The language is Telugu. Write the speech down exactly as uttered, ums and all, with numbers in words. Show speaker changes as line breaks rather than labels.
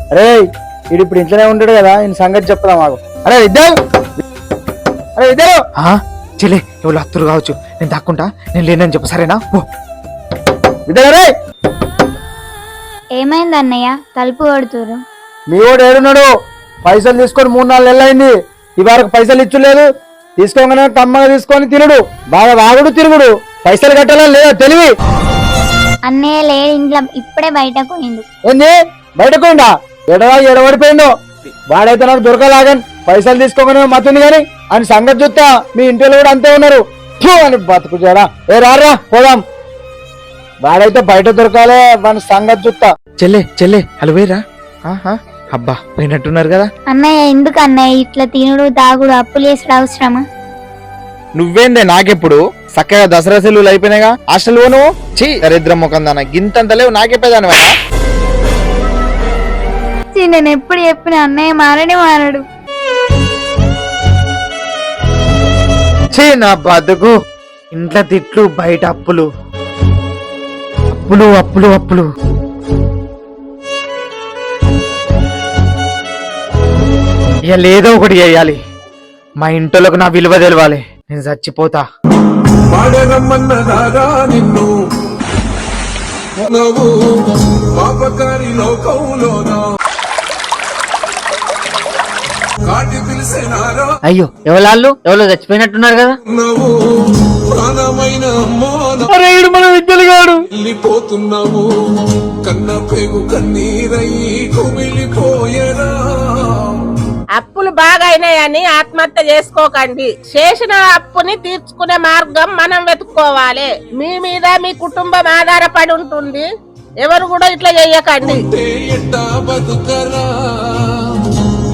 అరే వీడు ఇప్పుడు ఇంట్లోనే ఉంటాడు కదా ఈయన సంగతి చెప్తా మాకు. అరే ఇద్దరు అరే ఇద్దరు
చెల్లె ఎవరు అత్తురు కావచ్చు, నేను దక్కుంటా, నేను లేనని చెప్పు సరేనా? ఓ
ఇద్దరు రే.
ఏమైంది అన్నయ్య తలుపు కొడుతురు?
మీ వాడు ఏడున్నాడు? పైసలు తీసుకొని మూడు నాలుగు నెలలు అయింది, ఈ వరకు పైసలు ఇచ్చలేదు. తీసుకోగానే కమ్మగా తీసుకొని తిరుడు, బాగా వాగుడు తిరుగుడు, పైసలు కట్టాలని లేదా తెలివి?
అన్నయ్య లే ఇంట్లో, ఇప్పుడే బయటకు పోయిండు.
ఏంది బయటకు పోయిండా? ఎడవా ఎడబడిపోయిండు వాడైతే నాకు దొరకలాగని పైసలు తీసుకోగానే మతుంది కానీ అని సంగతి చూస్తా. మీ ఇంట్లో కూడా అంతే ఉన్నారు అని బతుకు చేయడా. ఏ రారా పోదాం, వాడైతే బయట దొరకాలే వాని సంగతి చూస్తా.
చెల్లె చెల్లె అలా పోయిరా? అబ్బా పోయినట్టున్నారు కదా.
అన్నయ్య ఎందుకు అన్నయ్య ఇట్లా తినుడు తాగుడు అప్పులు చేసుడు అవసరమా?
నువ్వేందే నాకెప్పుడు చక్కగా దసరా సెలవులు అయిపోయినాయిగా, హాస్టల్ పోను చీ దరిద్రం ముఖం దాన గింతంత లేవు నాకెప్పేదాని.
నేను ఎప్పుడు చెప్పిన అన్నయ్య మారనే మారడు.
చీ నా బతుకు, ఇంట్లో తిట్లు బయట అప్పులు అప్పులు అప్పులు అప్పులు. ఇక లేదో ఒకటి చేయాలి, మా ఇంట్లోకి నా విలువ తెలవాలి, నేను చచ్చిపోతా.
అయ్యో ఎవరు ఎవరో చచ్చిపోయినట్టున్నారు కదా.
మన విద్యలుగాడు
వెళ్ళిపోతున్నావు కన్న పేగు కన్నీరై కుమిలిపోయేరా.
అప్పులు బాగా అయినాయని ఆత్మహత్య చేసుకోకండి. చేసిన అప్పుని తీర్చుకునే మార్గం మనం వెతుక్కోవాలి. మీ మీద మీ కుటుంబం ఆధారపడి ఉంటుంది, ఎవరు కూడా ఇట్లా చెయ్యకండి.
ఎట్టా బతుకరా